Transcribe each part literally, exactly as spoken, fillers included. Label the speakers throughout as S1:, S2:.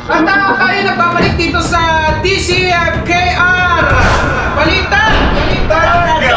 S1: At uh, tayo nagbabalik dito sa D C K R Balita! Balita!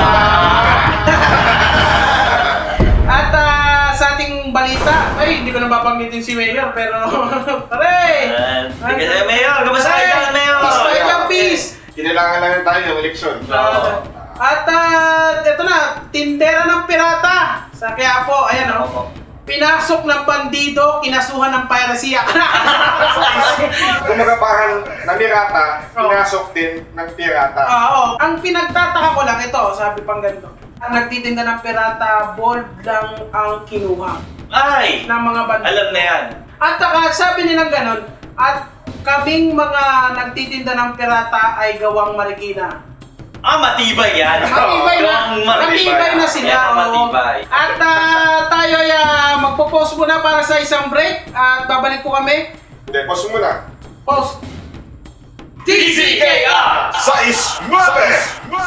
S1: At uh, sa ating balita, ay hindi ko na babanggitin si Mayor pero pare!
S2: Hindi ka na Mayor! Kamusta kayo ka Mayor?
S1: Peace tayo dyan, peace!
S3: Kinilangan lang tayo ng eleksyon.
S1: Uh, at uh, ito na, tindera ng pirata sa Quiapo, ayan o. Oh. Pinasok ng bandido, kinasuhan ng piracy.
S3: Kumaga parang namirata, pinasok din ng pirata.
S1: Oo. Ang pinagtataka ko lang ito, sabi pang ganito. Ang nagtitinda ng pirata, bold lang ang kinuha.
S2: Ay!
S1: Ng mga bandido.
S2: Alam na yan.
S1: At saka sabi nilang ganon, at kaming mga nagtitinda ng pirata ay gawang Marikina.
S2: Ah, matibay yan.
S1: Matibay na, matibay na sila.
S2: Yeah, matibay.
S1: At uh, tayo ay uh, magpo-pause muna para sa isang break at babalik po kami.
S3: Hindi, pause muna.
S1: Pause.
S2: D C K R!
S3: Sais! Mabes!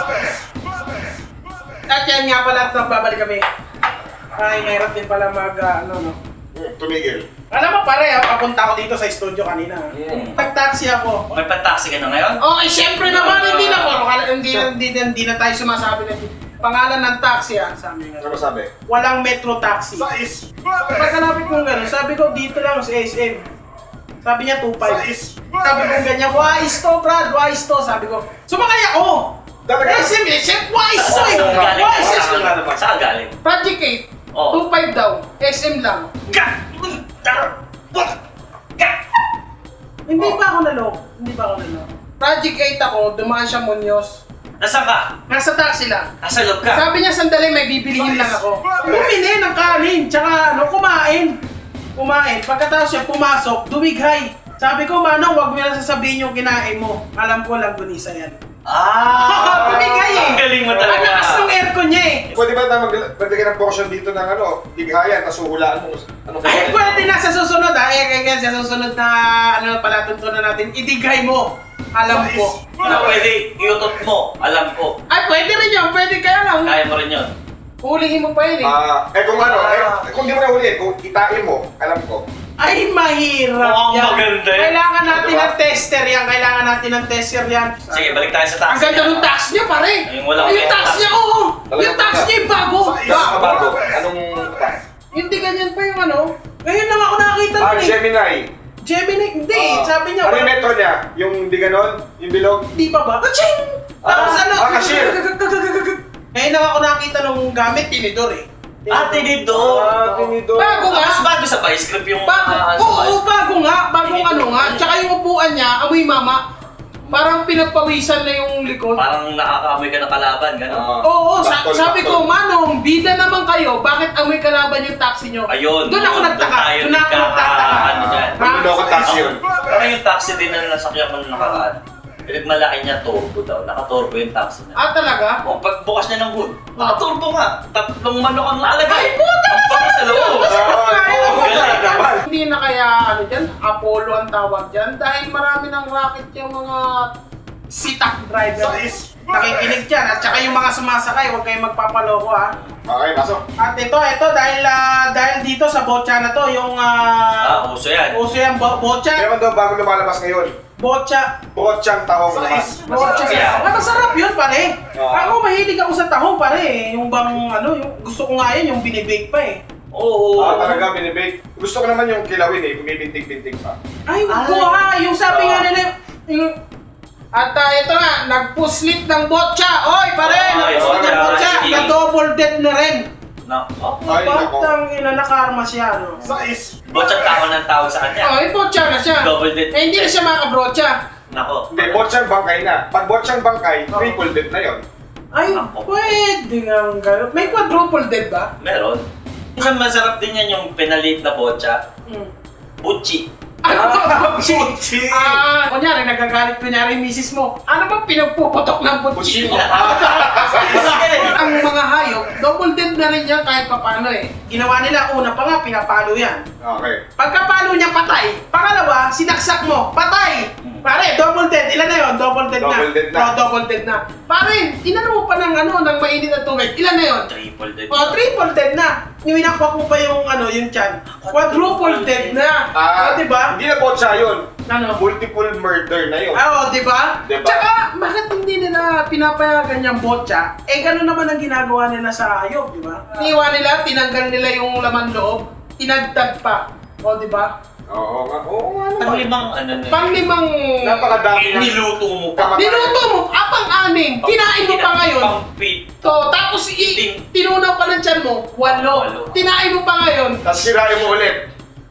S1: At yan nga pala at babalik kami. Ay, mahirap din pala mag, uh, ano, no?
S3: Tumigil.
S1: Alam mo pare, papunta ako dito sa studio kanina.
S2: Mm.
S1: Nag-taxi ako.
S2: May pataksi ka na ngayon?
S1: Oh, eh, syempre naman, hindi na po. Hindi, hindi, hindi, hindi na tayo sumasabi na pangalan ng taxi, ah. Sabi nga.
S3: Ano sabi?
S1: Walang metro taxi.
S3: Sais!
S1: Pagkalapit kong gano'n, sabi ko dito lang sa S M. Sabi niya two five.
S3: Sais!
S1: Sabi ko ganyan, wise to, Brad, wise to. Sabi ko, sumakay ako!
S3: Talaga?
S1: S M, S M, wise to eh!
S2: Saan galing?
S1: Wise
S2: Saan
S1: to!
S2: galing? Saan galing?
S1: Project eight,
S2: Oh.
S1: two five daw, S M lang. Hindi pa ako naloko. Hindi pa ako naloko. Project eight ako, dumaan siya Muñoz.
S2: Nasaan ka?
S1: Nasa taxi lang.
S2: Nasa loob ka?
S1: Sabi niya, sandali, may bibilihin lang ako. Bumili ng kanin, tsaka ano, kumain. Kumain. Pagkatapos siya pumasok, dumighay. Sabi ko, Manong, wag mo na sasabihin yung kinain mo. Alam ko lang, gunisa yan.
S2: Ah!
S1: Dumighay eh!
S2: Ang galing mo
S1: Ang
S2: talaga.
S1: lakas ng aircon niya eh.
S3: Pwede ba tayo mag- maglagay ng portion dito ng ano, bighayan, tapos huhulaan mo anong
S1: Ay, pwede na sa susunod ah. Eh, kaya sa susunod na ano, palatuntunan natin, idighay mo. Alam ko.
S2: Na pwede, iutot mo. Alam ko.
S1: Ay, pwede rin yun. Pwede kaya lang.
S2: Kaya mo rin yun.
S1: Hulihin mo pa yun eh.
S3: Ah, eh kung ano, eh, kung di mo na hulihin, kung itain mo, alam ko.
S1: Ay, mahirap
S2: Mukhang
S1: yan.
S2: maganda eh.
S1: Kailangan natin
S3: Diba?
S1: ng tester yan. Kailangan natin ng tester yan.
S2: Sige, balik tayo sa taxi.
S1: Ang ganda ng tax niya, pare.
S2: Yung walang
S1: Yung tax
S2: tax.
S1: niya, oo.
S3: Talagang
S1: Yung tax
S3: ganda.
S1: niya yung bago.
S3: Sais! Bago. Anong tax?
S1: Hindi ganyan pa yung ano. Ngayon lang ako nakakita
S3: Ah,
S1: nun eh.
S3: Gemini.
S1: Gemini, hindi.
S3: Ah,
S1: Sabi niya,
S3: ano yung
S1: wala-
S3: metro niya? Yung di ganon? Yung bilog?
S1: Di pa ba? Kaching!
S3: Ah,
S1: Tapos ano?
S3: ah, cashier.
S1: Ngayon lang ako nakakita nung gamit, tinidor eh.
S2: Ah, tinidor.
S3: Ah, tinidor.
S1: Bago nga.
S2: Mas bago sa vice grip yung...
S1: Bago,
S2: ah, sa
S1: oo,
S2: vice-
S1: bago nga. Bagong
S2: Tinidor.
S1: ano nga. Tsaka yung upuan niya, amoy mama. Parang pinagpawisan na yung likod.
S2: Parang nakakaamoy ka ng kalaban, gano'n.
S3: Ah,
S1: Oo, sa-
S3: baktol,
S1: sabi ko,
S3: baktol.
S1: Manong, bida naman kayo. Bakit amoy kalaban yung taxi nyo?
S2: Ayun.
S1: Doon ako nagtaka.
S2: tayo
S1: Doon ako nagtaka.
S2: Ano dyan.
S1: Ha?
S3: Manloloko taxi yun.
S2: Parang yung taxi din na nasakyan ko nung nakaraan. Pinagmalaki niya turbo daw. Naka-turbo yung taxi niya.
S1: Ah, talaga?
S2: O, pagbukas niya ng hood, naka-turbo nga. Tatlong manok ang lalagay.
S1: Ay, puta!
S2: Ang pangit sa loob.
S3: Oo,
S2: galing
S3: naman.
S1: Hindi na kaya ano dyan, Apollo ang tawag dyan dahil marami ng racket yung mga sitak driver.
S3: Sais!
S1: Nakikinig dyan at saka yung mga sumasakay, huwag kayong magpapaloko ha.
S3: Okay, pasok.
S1: At ito, ito dahil ah, dahil dito sa botcha na to, yung
S2: Ah,
S1: ah
S2: uso yan.
S1: uso yung bo botcha,
S3: Meron daw bago lumalabas ngayon.
S1: botcha,
S3: Brochang tahong
S1: botcha.
S3: naman.
S2: Masarap yan.
S1: Ah, masarap yun pare.
S3: Oo.
S1: Ako mahilig ako sa tahong pare. Yung bang ano, yung gusto ko nga yun, yung binibake pa eh.
S2: Oo.
S3: Ah, talaga, binibake. Gusto ko naman yung kilawin eh, bumibintig-bintig pa.
S1: Ay,
S2: Ay.
S1: ko ha, yung sabi nga
S3: Ah.
S1: nila, yung... At uh, ito nga, nagpuslit ng botcha. Oy, pare,
S2: Ay,
S1: nagpuslit ng
S2: botcha.
S1: botcha.
S2: Sige.
S1: Na-double dead na rin.
S2: Na, oh.
S3: Ay, nako.
S1: Batang ina, nakarma siya, no?
S3: Sais!
S2: Botsang tao ng tawag sa kanya.
S1: Oh, yung botcha na siya.
S2: Double dead.
S1: Eh, hindi na siya makabrocha.
S2: Nako.
S3: Hindi, botsang bangkay na. Pag botsang bangkay,
S1: Oo.
S3: triple dead na yon.
S1: Ay,
S2: Ako.
S1: pwede nga gano'n. May quadruple dead ba?
S2: Meron. Isang masarap din yan yung pinalit na botcha.
S1: Hmm.
S2: Butchi.
S1: Ano?
S3: Butchi!
S1: Ah, kunyari, nagagalit kunyari yung misis mo. Ano bang pinagpuputok ng butchi?
S3: Butchi mo. Ah,
S1: Ang mga hayop, double dead na rin yan kahit papano eh. Ginawa nila, una pa nga, pinapalo yan.
S3: Okay.
S1: Pagkapalo niya, patay. Pangalawa, sinaksak mo, patay. Pare, double dead. Ilan na yun? Double dead na.
S3: Double dead na.
S1: Oh, double dead na. Pare, inano mo pa ng ano, ng mainit na tubig. Ilan na yun?
S2: Triple dead.
S1: Oh, triple dead na. Yung inakwak mo pa yung ano, yung chan. Quadruple dead na.
S3: Ah,
S1: oh, diba?
S3: Hindi na botsa yun.
S1: Ano?
S3: Multiple murder na yun.
S1: Ah, oh, diba?
S3: Diba?
S1: Tsaka, bakit hindi nila pinapayagan yung botcha? Eh, gano'n naman ang ginagawa nila sa hayop, diba? Iniwan nila, tinanggal nila yung laman loob, tinagtag pa. O, diba?
S3: Oo nga, oo nga
S2: Ang
S3: naman.
S2: limang ano na.
S1: Panglimang...
S3: Napakadami na.
S2: Niluto mo pa.
S3: Kamatayan.
S1: Niluto mo, apang anim, kinain mo pa ngayon.
S2: Pang-pit.
S1: To, tapos i tinunaw pa ng tiyan mo, walo.
S2: Walo.
S1: Tinain mo pa ngayon.
S3: Tapos sirain mo ulit.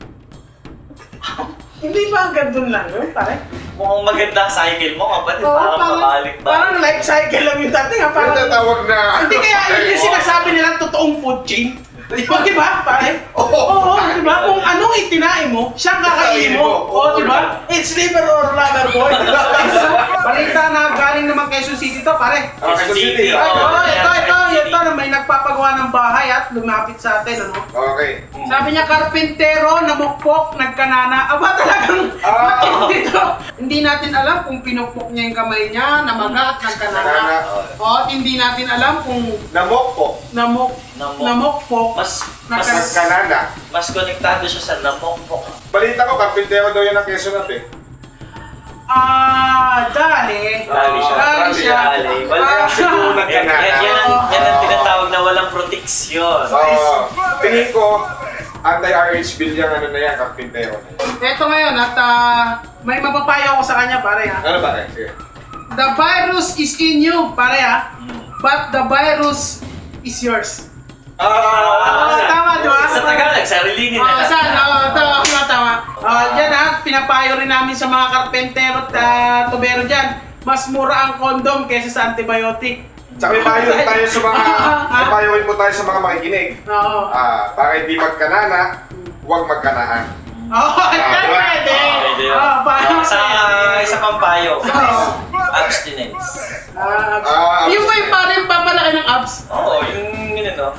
S1: Hindi ba hanggang dun lang yun, pare?
S2: Mukhang maganda cycle mo, kapatid.
S1: Oo,
S2: Parang
S1: parang,
S2: pabalik ba?
S1: parang life cycle lang yung dati nga.
S3: Yung
S1: Parang,
S3: tatawag na...
S1: hindi kaya yun yung sinasabi nilang totoong food chain. O, diba, pare?
S3: Oo.
S1: Oo, diba? Kung anong itinain mo, siyang kakainin mo. O, diba? It's liver or lover boy. Balita na galing naman Quezon City to, pare.
S3: Ah, Quezon City.
S1: Ay, ito,
S2: Oo,
S1: ito,
S2: yan,
S1: ito,
S2: Quezon
S1: ito, na may nagpapagawa ng bahay at lumapit sa atin, ano?
S3: Okay.
S1: Sabi niya, karpentero, namukpok, nagkanana. Aba, talagang
S3: Ah.
S1: matindi to. Hindi natin alam kung pinukpok niya yung kamay niya, namaga at nagkanana.
S3: Kanana.
S1: O, at hindi natin alam kung
S3: Namok po.
S1: namuk,
S2: Namok.
S1: namukpok.
S2: Mas, mas,
S3: Nagkanana.
S2: mas konektado siya sa namokpok.
S3: Balita ko, karpintero daw yan ang Quezon natin.
S1: Ah, dali.
S2: Dali siya.
S1: Dali siya.
S2: Dali.
S1: Ah.
S3: Siguro
S2: Yan, yan,
S3: nagkanana.
S2: yan, ang, yan ang tinatawag na walang proteksyon.
S3: Oo. Tingin ko, anti-R H bill yung ano na yan, karpintero na yan.
S1: Ito ngayon at ah, may mapapayo ako sa kanya, pare ha.
S3: Ano ba? Sige.
S1: The virus is in you, pare ha.
S2: Hmm.
S1: But the virus is yours.
S3: Ah,
S1: Ah, tama, di ba?
S2: Sa Tagalog, sarili
S1: Ah,
S2: nila.
S1: saan? Oo, tama, tama, tama. Ah, dyan ha, pinapayo rin namin sa mga karpentero at ah, tubero dyan. Mas mura ang kondom kaysa sa antibiotic.
S3: Tsaka may payo rin tayo sa mga, may payo rin po tayo sa mga makikinig.
S1: Oo.
S3: Ah, para hindi magkanana, huwag magkanaan.
S1: Oo, pwede.
S2: Pwede yun.
S1: Ah, payo.
S2: Sa isa pang payo.
S1: Oo.
S2: Abstinence.
S1: Ah,
S3: Ah,
S1: yung ba yung parang papalaki ng abs?
S2: Oo, yung yun ano.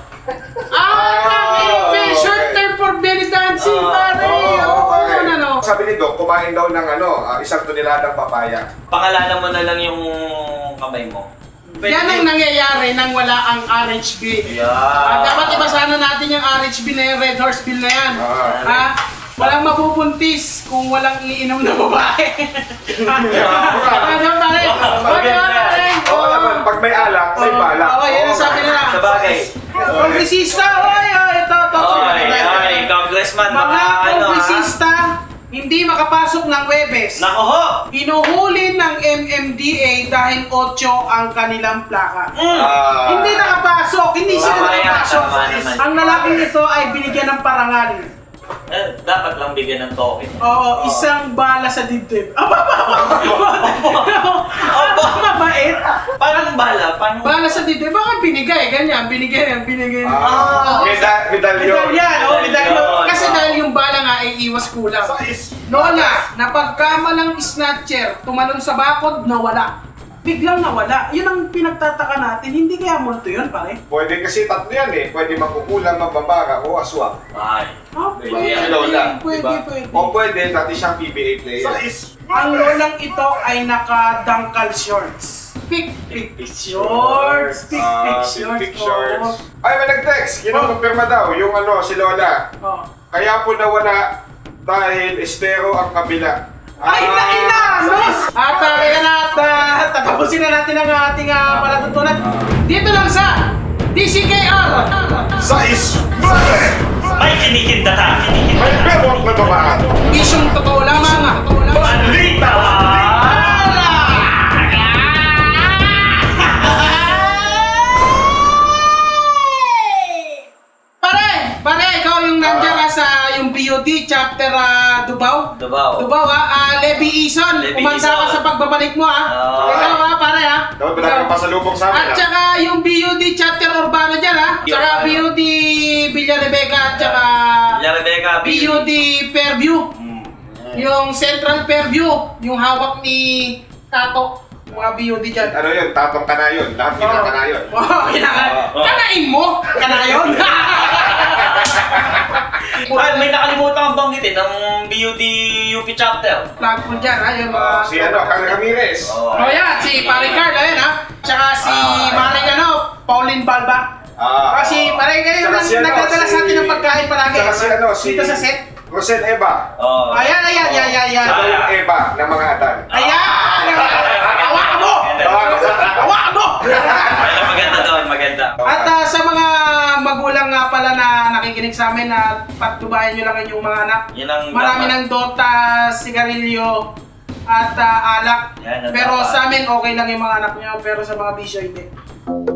S1: Ah, yung may
S3: okay.
S1: short term for belly dancing,
S2: Ah,
S1: pare.
S3: Oo,
S1: Oo,
S3: okay.
S1: ano, ano.
S3: Sabi ni Doc, kumain daw ng ano, ah, isang toneladang papaya.
S2: Pangalanan mo na lang yung kamay mo.
S1: Yan ang nangyayari nang wala ang R H B.
S2: Yeah.
S1: Ah, dapat ibasana natin yung R H B na yung Red Horse Bill na yan.
S3: Ah.
S1: Ha? Walang mabubuntis kung walang iinom na babae. Ano pare? Ano pare?
S3: Oo naman, pag may alak, may balak.
S1: Oo, yan ang sabi nila.
S2: Sa bagay.
S1: Kongresista, oy, oy, ito, ito.
S2: Oy, oy, congressman,
S1: Mga
S2: baka ano ha?
S1: kongresista, hindi makapasok ng Webes.
S2: Nako ho!
S1: Hinuhuli ng M M D A dahil otso ang kanilang plaka.
S2: Mm.
S3: Ah.
S1: Hindi nakapasok, hindi sila
S2: Tama yan,
S1: nakapasok.
S2: tama naman.
S1: Ang lalaking ito ay binigyan ng parangal.
S2: Eh, dapat lang bigyan ng token.
S1: Oo, isang bala sa dibdib. Aba, aba, aba, mabait.
S2: Paano bala? Paano?
S1: Bala sa dibdib, baka binigay, ganyan, binigay yan, binigay.
S3: Ah,
S1: Oo.
S3: meda- medalyon.
S1: Medalyan, oh, medalyon.
S2: Medalyon.
S1: Kasi dahil yung bala nga ay iwas kulang. Lola, napagkamalang snatcher, tumalon sa bakod, nawala. Biglang nawala. Yun ang pinagtataka natin. Hindi kaya multo yun, pare?
S3: Pwede kasi tatlo yan eh. Pwede magkukulang, magbabara, o aswang.
S2: Ay.
S1: Ah,
S3: Diba?
S1: pwede,
S3: Si Lola,
S1: pwede,
S3: diba?
S1: pwede.
S3: O pwede, dati siyang P B A player.
S1: Ang lolang ito ay naka-dunkle shorts. Pick, pick, pick shorts. Pick, pick
S3: Ah,
S1: shorts.
S3: pick shorts. Ay, may nag-text. Kinukumpirma daw yung ano, si Lola.
S1: Oh.
S3: Kaya po nawala dahil estero ang kabila.
S1: Ay, na, ina, no? At uh, kaya na, at uh, tatapusin na natin ang ating uh, palatutunan. Dito lang sa D C K R.
S3: Sais! Mare!
S2: May kinikindata!
S3: May bewak na bamaan!
S1: Isyong totoo lamang.
S2: Balita!
S1: Pare, pare, ikaw yung nandiyan ka sa yung B O D chapter uh, Dubaw.
S2: Dubaw.
S1: Dubaw ha, uh, Levi Ison,
S2: Levi
S1: umanda ka
S2: Ison.
S1: sa pagbabalik mo ha.
S2: Oo.
S1: Ikaw ha, pare ha.
S3: Dapat ba natin pasalubong sa amin
S1: At saka yung B U D chapter Urbano dyan ha. Tsaka B U D Villa Rebecca at tsaka
S2: Villa Rebecca,
S1: B U D Fairview.
S2: Mm.
S1: Yung Central Fairview, yung hawak ni Tato. Mga B U D dyan.
S3: Ano yun? Tatong kanayon. Lahat kita kanayon.
S1: Oh, kinaka-
S2: Oo.
S1: kanain mo? Kanayon?
S2: Ay, may nakalimutan kang banggitin ng B U D U P chapter.
S1: Plug po dyan ha, yung mga...
S3: Ah, si ano, Carl Ramirez.
S2: Oh,
S1: Oh yan, si Paring Carl, ayan ha. Tsaka si
S2: Ah,
S1: Maring ano, Pauline Balba.
S3: Ah,
S1: Kasi Paring kayo
S3: Tsaka
S1: nang
S3: si ano,
S1: nagdadala sa
S3: si-
S1: atin ng pagkain palagi.
S3: Tsaka si ano, si...
S1: Dito sa set.
S3: Rosel Eva.
S2: Oh.
S1: Ayan, ayan, ayan, ayan, ayan.
S3: Siya daw yung Eva ng mga atan.
S1: Ayan! Hawakan mo! Hawakan mo!
S2: Ay, maganda doon, maganda.
S1: At ah, sa mga magulang nga pala na nakikinig sa amin na patnubayan nyo lang inyong mga anak.
S2: Yan ang
S1: Marami
S2: dapat.
S1: ng Dota, sigarilyo, at ah, alak.
S2: Yan ang
S1: Pero
S2: dapat.
S1: sa amin okay lang yung mga anak nyo, pero sa mga bisyo hindi.